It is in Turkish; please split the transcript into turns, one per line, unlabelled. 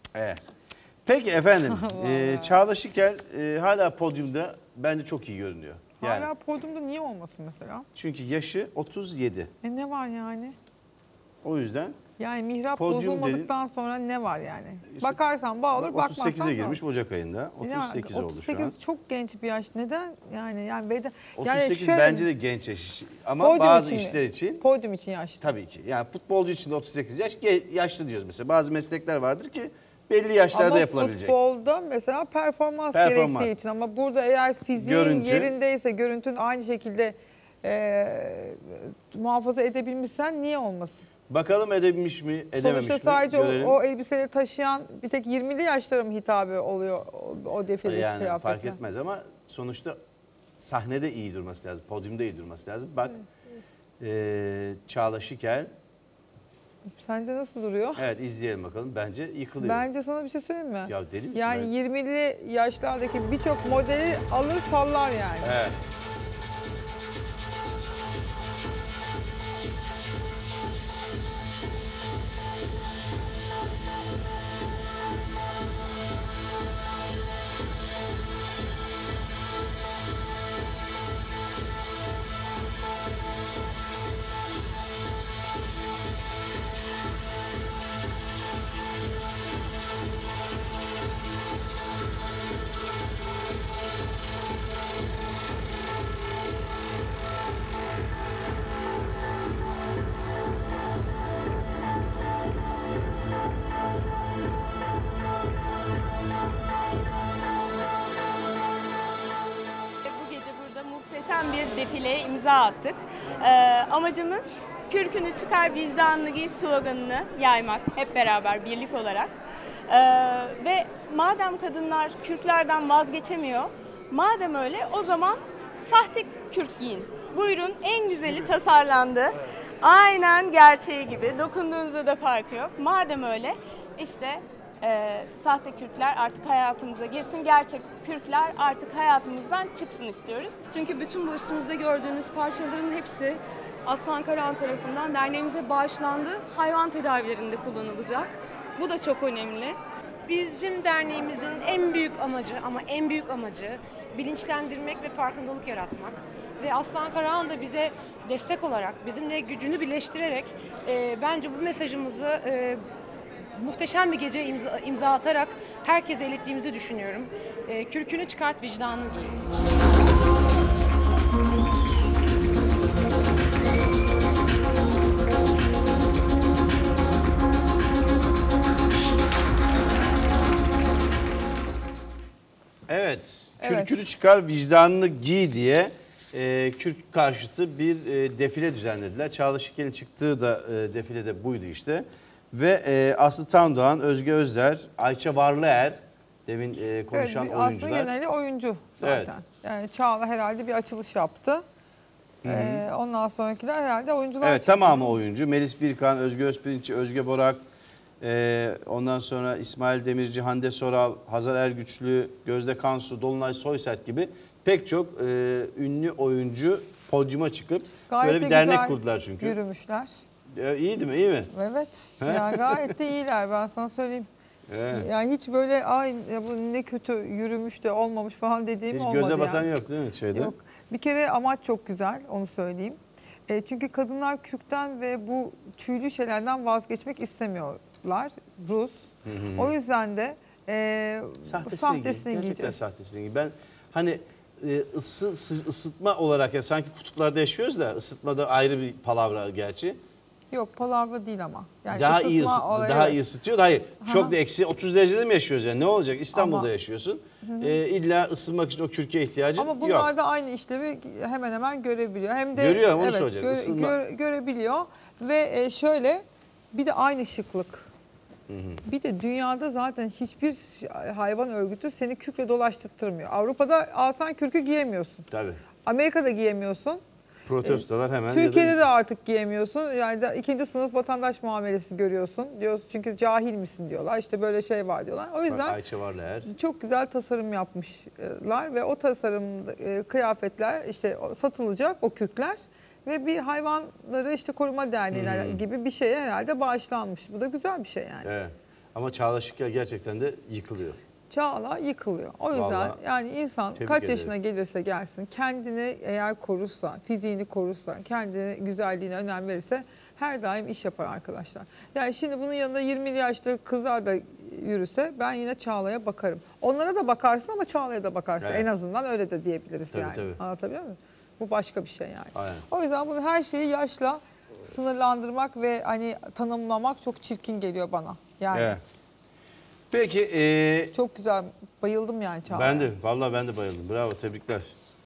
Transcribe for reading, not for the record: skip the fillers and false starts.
Evet. Peki efendim, Çağla Şikel hala podyumda bence çok iyi görünüyor. Yani,
hala podyumda niye olmasın mesela?
çünkü yaşı 37.
Ne var yani?
O yüzden
Yani mihrap
podyum
bozulmadıktan sonra ne var yani? Bakarsan bağ olur, bakmazsan
38'e girmiş Ocak ayında. 38 oldu şu an.
38 çok genç bir yaş. Neden? Yani
38
şöyle,
bence de genç yaş. Ama bazı işler için
podyum için yaşlı.
tabii ki. Yani futbolcu için de 38 yaş yaşlı diyoruz mesela. Bazı meslekler vardır ki belli yaşlarda yapılabilecek.
Ama futbolda mesela performans gerektiği için, ama burada eğer fiziğin yerindeyse, görüntün aynı şekilde muhafaza edebilmişsen niye olmasın?
Bakalım edebilmiş mi, edememiş
Sonuçta
mi?
sadece
görelim.
o elbiseleri taşıyan bir tek 20'li yaşlara mı hitabı oluyor o defile
yani
kıyafetler?
fark etmez ama sonuçta sahnede iyi durması lazım, podyumda iyi durması lazım. Bak Çağla Şikel.
Sence nasıl duruyor?
Evet, izleyelim bakalım. Bence yıkılıyor.
Bence sana bir şey söyleyeyim mi?
Ya deli misin?
Yani 20'li yaşlardaki birçok modeli alır sallar yani.
Evet.
Bu gece burada muhteşem bir defileye imza attık. Amacımız kürkünü çıkar vicdanını giy sloganını yaymak hep beraber birlik olarak. Ve madem kadınlar kürklerden vazgeçemiyor, madem öyle o zaman sahte kürk giyin. Buyurun, en güzeli tasarlandı. Aynen gerçeği gibi, dokunduğunuzda da farkı yok. Madem öyle işte sahte kürkler artık hayatımıza girsin, gerçek kürkler artık hayatımızdan çıksın istiyoruz.
Çünkü bütün bu üstümüzde gördüğünüz parçaların hepsi Aslan Karahan tarafından derneğimize bağışlandı. Hayvan tedavilerinde kullanılacak. Bu da çok önemli.
Bizim derneğimizin en büyük amacı, ama en büyük amacı bilinçlendirmek ve farkındalık yaratmak. Ve Aslan Karahan da bize destek olarak, bizimle gücünü birleştirerek bence bu mesajımızı muhteşem bir gece imza atarak herkese ilettiğimizi düşünüyorum. Kürkünü çıkart, vicdanını giy.
Evet,
Evet.
kürkünü çıkar, vicdanını giy diye kürk karşıtı bir defile düzenlediler. Çağla Şikel'in çıktığı da defilede buydu işte. Ve Aslı Tandoğan, Özge Özler, Ayça Varlıer, demin konuşan
Evet,
oyuncular.
aslında geneli oyuncu zaten.
Evet.
Yani Çağla herhalde bir açılış yaptı. Ondan sonrakiler herhalde oyuncular
Evet,
çıktı.
tamamı oyuncu. Melis Birkan, Özge Özpirinççi, Özge Borak, ondan sonra İsmail Demirci, Hande Soral, Hazar Ergüçlü, Gözde Kansu, Dolunay Soysert gibi pek çok ünlü oyuncu podyuma çıkıp
Gayet
böyle bir
de
dernek
güzel
kurdular çünkü.
yürümüşler.
İyiydi mi? İyi mi?
Evet. Yani gayet de iyiler, ben sana söyleyeyim.
Evet.
Yani hiç böyle ay ya bu ne kötü yürümüş de olmamış falan dediğim
Hiç
olmadı
göze batan
yani.
yok değil mi şeyde?
Yok. Bir kere amaç çok güzel, onu söyleyeyim. Çünkü kadınlar kürkten ve bu tüylü şeylerden vazgeçmek istemiyorlar. Rus. O yüzden de sahtesini
Gerçekten
giyeceğiz.
sahtesini giy. Ben hani ısıtma olarak ya sanki kutuplarda yaşıyoruz da ısıtmada ayrı bir palavra gerçi.
Yok, palavra değil ama. Yani
Daha iyi
olayı,
daha
evet.
iyi ısıtıyor. Hayır. Çok da eksi 30 derecede mi yaşıyoruz yani? Ne olacak? İstanbul'da
Ama-
yaşıyorsun. İlla ısınmak için o kürke ihtiyacın
Ama
yok.
bunlar da aynı işlevi hemen hemen görebiliyor. Hem de
Görüyor, onu söyleyeceğim. Isınma.
Görebiliyor ve şöyle bir de aynı şıklık. Bir de dünyada zaten hiçbir hayvan örgütü seni kürkle dolaştırtmıyor. Avrupa'da alsan kürkü giyemiyorsun.
Tabii.
Amerika'da giyemiyorsun.
Protestolar hemen.
Türkiye'de
ya da
de artık giyemiyorsun. Yani ikinci sınıf vatandaş muamelesi görüyorsun. Diyorsun çünkü cahil misin diyorlar. İşte böyle şey var diyorlar. O yüzden
Ayça Varlıer.
çok güzel tasarım yapmışlar ve o tasarım kıyafetler işte satılacak, o kürkler ve bir hayvanları işte koruma derneği gibi bir şeye herhalde bağışlanmış. Bu da güzel bir şey yani.
Evet. Ama Çağla Şikel gerçekten de yıkılıyor.
Çağla yıkılıyor. O yüzden
Vallahi
yani insan
tebrik
kaç
ederim.
yaşına gelirse gelsin kendini eğer korursa, fiziğini korursa, kendini güzelliğine önem verirse her daim iş yapar arkadaşlar. Yani şimdi bunun yanında 20 yaşlı kızlar da yürüse ben yine Çağla'ya bakarım. Onlara da bakarsın ama Çağla'ya da bakarsın.
Evet.
En azından öyle de diyebiliriz
Tabii,
yani.
tabii.
Anlatabiliyor muyum? Bu başka bir şey yani.
Aynen.
O yüzden bunu her şeyi yaşla sınırlandırmak ve hani tanımlamak çok çirkin geliyor bana. Yani
Evet. Peki
çok güzel. Bayıldım yani Çağla'ya.
vallahi ben de bayıldım. Bravo, tebrikler.